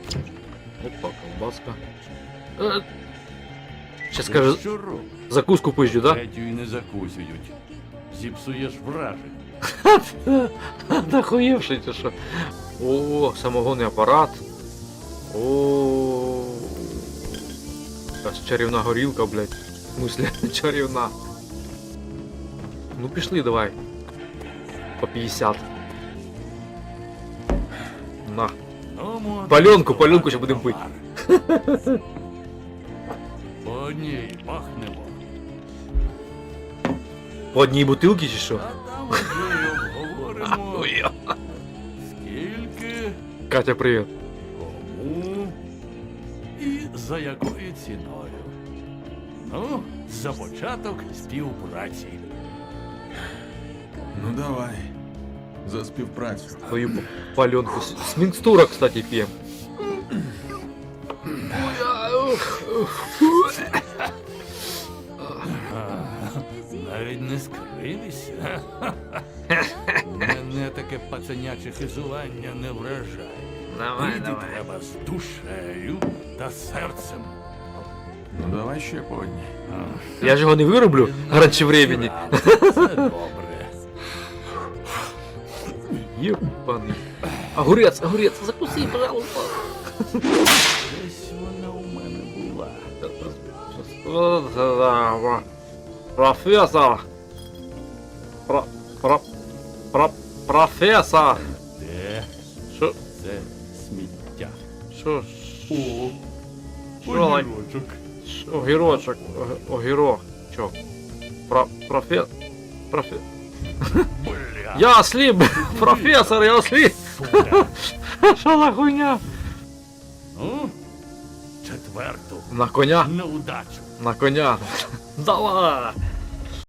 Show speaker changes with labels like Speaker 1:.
Speaker 1: Опа, колбаска. Ще скаже,
Speaker 2: Що робиш?
Speaker 1: закуску пизджу, да?
Speaker 2: Третю і не закусюють. Зіпсуєш вражень.
Speaker 1: Нахуєвший чи що? О, самогонний апарат. О, якась чарівна горілка, блядь. В смысле, чарівна. Ну пішли, давай. По 50. На.
Speaker 2: Ну,
Speaker 1: Паленку ще будемо пити.
Speaker 2: По одній махнемо.
Speaker 1: По одній бутилці чи що?
Speaker 2: А там вже й обговоримо,
Speaker 1: Ой,
Speaker 2: скільки,
Speaker 1: Катя, привіт.
Speaker 2: кому і за якою ціною. Ну, за початок співпраці.
Speaker 3: Ну давай. За співпрацю.
Speaker 1: Твою паленку. С микстура, кстати, пьем.
Speaker 2: Навіть не скривися. Мене таке пацаняче хизування не вражає. Пити треба з душею та серцем.
Speaker 3: Ну давай ще по одній.
Speaker 1: Я ж його не вироблю раньше времени.
Speaker 2: Це добре.
Speaker 1: Ебаный. Огурец, закуси, пожалуйста.
Speaker 2: Десь вона у мене була.
Speaker 1: Профессор. Профессор.
Speaker 2: Де
Speaker 1: Шо?
Speaker 2: це сміття?
Speaker 1: Шо?
Speaker 2: О,
Speaker 1: Шо?
Speaker 2: огірочок.
Speaker 1: Огірочок. Огірок. Чо? Профессор.
Speaker 2: Бля,
Speaker 1: Я осліп, професор, я осліп.
Speaker 2: сука.
Speaker 1: Що за хуйня?
Speaker 2: Ну, четверту.
Speaker 1: На коня?
Speaker 2: Неудачу.
Speaker 1: На коня. Давай.